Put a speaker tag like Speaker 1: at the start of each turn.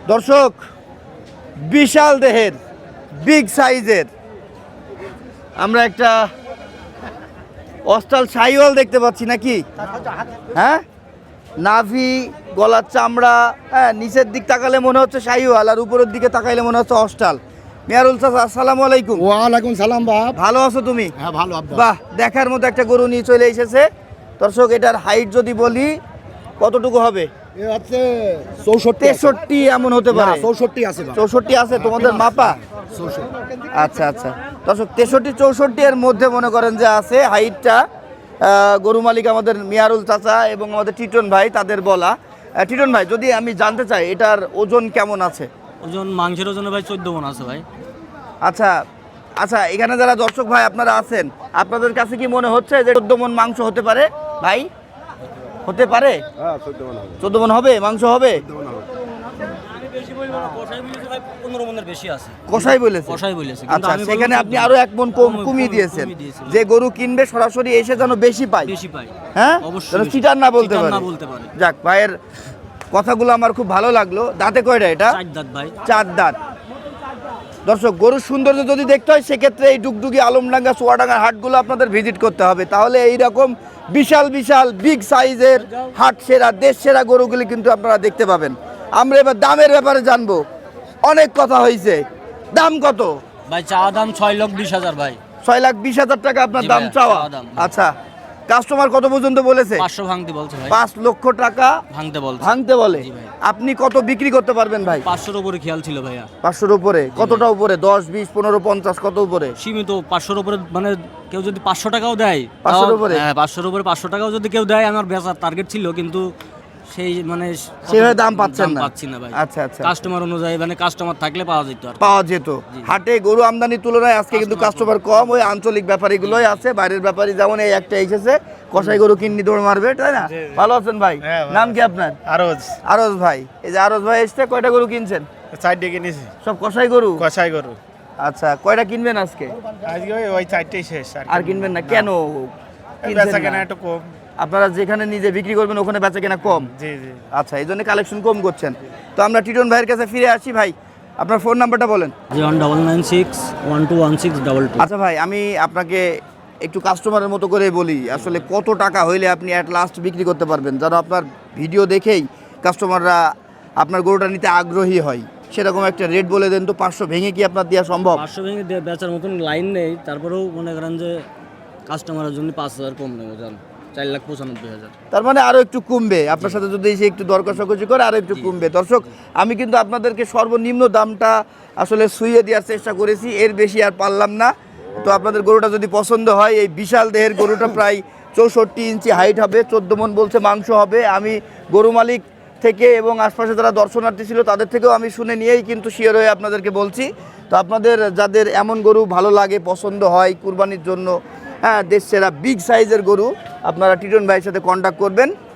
Speaker 1: দর্শক, বিশাল দেহের বিগ সাইজের আমরা একটা অস্টাল শাহিওয়াল দেখতে পাচ্ছি নাকি? হ্যাঁ, নাভি, গলার চামড়া, হ্যাঁ, নিচের দিক তাকালে মনে হচ্ছে শাহিওয়াল আর উপরের দিকে তাকাইলে মনে হচ্ছে অস্টাল। মিয়ারুল চাচা, আসসালামু আলাইকুম।
Speaker 2: ওয়ালাইকুম সালাম বাপ।
Speaker 1: ভালো আছো তুমি?
Speaker 2: হ্যাঁ ভালো আব্বা।
Speaker 1: বাহ, দেখার মতো একটা গরু নিয়ে চলে এসেছে। দর্শক, এটার হাইট যদি বলি কতটুকু হবে?
Speaker 2: এ হচ্ছে 64
Speaker 1: 63 এমন হতে পারে।
Speaker 2: 64 আছে বাপ।
Speaker 1: 64 আছে তোমাদের মাপা?
Speaker 2: 64
Speaker 1: আচ্ছা আচ্ছা দর্শক, 63 64 এর মধ্যে মনে করেন যে আছে হাইটটা। গরু মালিক আমাদের মিয়ারুল চাচা এবং আমাদের টিটন ভাই তাদের বলা। টিটন ভাই, যদি আমি জানতে চাই এটার ওজন কেমন আছে?
Speaker 3: ওজন মাংসের ওজনে ভাই 14 মণ আছে ভাই।
Speaker 1: আচ্ছা আচ্ছা, এখানে যারা দর্শক ভাই আপনারা আছেন, আপনাদের কাছে কি মনে হচ্ছে যে 14 মণ মাংস হতে পারে ভাই? হতে পারে?
Speaker 2: হ্যাঁ 14 মণ হবে।
Speaker 1: 14 মণ হবে মাংস হবে?
Speaker 3: আমি বেশি বলবো না, কষাই বলেছে ভাই 15 মণের বেশি আছে।
Speaker 1: কষাই বলেছে?
Speaker 3: কষাই বলেছে, কিন্তু
Speaker 1: আচ্ছা,
Speaker 3: আমি বলবো
Speaker 1: সেখানে
Speaker 3: 14
Speaker 1: আপনি আরো 1 মণ কমিয়ে দিয়েছেন। যে গরু কিনবে সরাসরি এসে যেন বেশি পায়।
Speaker 3: বেশি পাই।
Speaker 1: হ্যাঁ,
Speaker 3: অবশ্যই
Speaker 1: যেন
Speaker 3: বেশি।
Speaker 1: চিটার না বলতে
Speaker 3: চিটার
Speaker 1: পারে।
Speaker 3: না বলতে পারে।
Speaker 1: যাক, ভাইয়ের কথাগুলো আমার খুব ভালো লাগলো। দাঁতে কয়টা এটা?
Speaker 3: 4 দাঁত ভাই।
Speaker 1: 4 দাঁত। দর্শক, গরুর সৌন্দর্য যদি দেখতে হয় সেক্ষেত্রে এই ডুগডুগি, আলমডাঙ্গা, চুয়াডাঙ্গার হাটগুলো আপনাদের ভিজিট করতে হবে। তাহলে এইরকম বিশাল বিশাল বিগ সাইজের হাট সেরা, দেশ সেরা গরুগুলি কিন্তু আপনারা দেখতে পাবেন। আমরা এবার দামের ব্যাপারে জানবো। অনেক কথা হয়েছে, দাম কত?
Speaker 3: ভাই চা দাম 6,20,000 ভাই।
Speaker 1: 6,20,000 টাকা আপনার
Speaker 3: জি
Speaker 1: দাম
Speaker 3: ভাইয়া,
Speaker 1: চাওয়া?
Speaker 3: চাওয়া দাম।
Speaker 1: আচ্ছা, কাস্টমার কত পর্যন্ত বলেছে?
Speaker 3: 500 ভাঙতে বলছে ভাই।
Speaker 1: 5 লক্ষ টাকা
Speaker 3: ভাঙতে বলছে।
Speaker 1: ভাঙতে বলে।
Speaker 3: জি ভাই।
Speaker 1: আপনি কত বিক্রি করতে পারবেন ভাই?
Speaker 3: 500 এর উপরে খেয়াল ছিল ভাইয়া।
Speaker 1: 500-র উপরে? কতটা উপরে? 10, 20, 15, 50 কত উপরে?
Speaker 3: সীমিত 500 এর উপরে, মানে কেউ যদি 500 টাকাও দেয়
Speaker 1: 500
Speaker 3: তাও-
Speaker 1: উপরে?
Speaker 3: হ্যাঁ 500 এর উপরে 500 টাকাও যদি কেউ দেয়, আমার বেচার টার্গেট ছিল, কিন্তু সেই মানে
Speaker 1: সেভাবে দাম পাচ্ছেন না?
Speaker 3: পাচ্ছি না ভাই।
Speaker 1: আচ্ছা আচ্ছা,
Speaker 3: কাস্টমার অনুযায়ী, মানে কাস্টমার থাকলে পাওয়া যেত আর কি।
Speaker 1: পাওয়া যেত। হাটে গরু আমদানির তুলনায় আজকে কিন্তু কাস্টমার কম। ওই আঞ্চলিক ব্যাপারীগুলোই আছে, বাইরের ব্যাপারী যেমন এই একটা এসেছে, কষাই গরু কিন্নি দৌড় মারবে, তাই না? ভালো আছেন ভাই? নাম কি আপনার?
Speaker 4: আরজ
Speaker 1: আরজ ভাই। এই যে আরজ ভাই এসছে, কয়টা গরু কিনছেন?
Speaker 4: 4 কিনেছি,
Speaker 1: সব কষাই গরু?
Speaker 4: কষাই গরু।
Speaker 1: আচ্ছা, কয়টা কিনবেন আজকে?
Speaker 4: আজকে ওই 4টেই শেষ।
Speaker 1: আর কিনবেন না কেন? কিনছেন
Speaker 4: বেচা
Speaker 1: না?
Speaker 4: কেনা একটু কম।
Speaker 1: আপনারা যেখানে নিজে বিক্রি করবেন ওখানে বেচা কেনা কম?
Speaker 4: জি জি।
Speaker 1: আচ্ছা, এই জন্য কালেকশন কম করছেন। তো আমরা টিটন ভাইয়ের কাছে ফিরে আসি। ভাই, আপনার ফোন নাম্বারটা বলেন।
Speaker 3: 01996121222।
Speaker 1: আচ্ছা ভাই, আমি আপনাকে একটু কাস্টমারের মতো করে বলি, আসলে কত টাকা হইলে আপনি অ্যাট লাস্ট বিক্রি করতে পারবেন, যেন আপনার ভিডিও দেখেই কাস্টমাররা আপনার গরুটা নিতে আগ্রহী হয়, সেরকম একটা রেট বলে দেন তো। 500 ভেঙে কি আপনার দেওয়া সম্ভব?
Speaker 3: 500 ভেঙে বেচার মতন লাইন নেই, তারপরেও মনে করেন যে কাস্টমারের জন্য 5,000 কম নেবো, জান 4,95,000।
Speaker 1: তার মানে আরো একটু কমবে আপনার সাথে যদি এসে একটু দর কষাকষি করে, আরো একটু কমবে। দর্শক, আমি কিন্তু আপনাদেরকে সর্বনিম্ন দামটা আসলে শুইয়ে দেওয়ার চেষ্টা করেছি, এর বেশি আর পারলাম না। তো আপনাদের গরুটা যদি পছন্দ হয়, এই বিশাল দেহের গরুটা প্রায় 64 ইঞ্চি হাইট হবে, 14 মণ বলছে মাংস হবে। আমি গরু মালিক থেকে এবং আশপাশে যারা দর্শনার্থী ছিল তাদের থেকেও আমি শুনে নিয়েই কিন্তু শিওর হয়ে আপনাদেরকে বলছি। তো আপনাদের যাদের এমন গরু ভালো লাগে, পছন্দ হয় কুরবানির জন্য, হ্যাঁ, দেশ সেরা বিগ সাইজের গরু, আপনারা টিটন ভাইয়ের সাথে কন্ট্যাক্ট করবেন।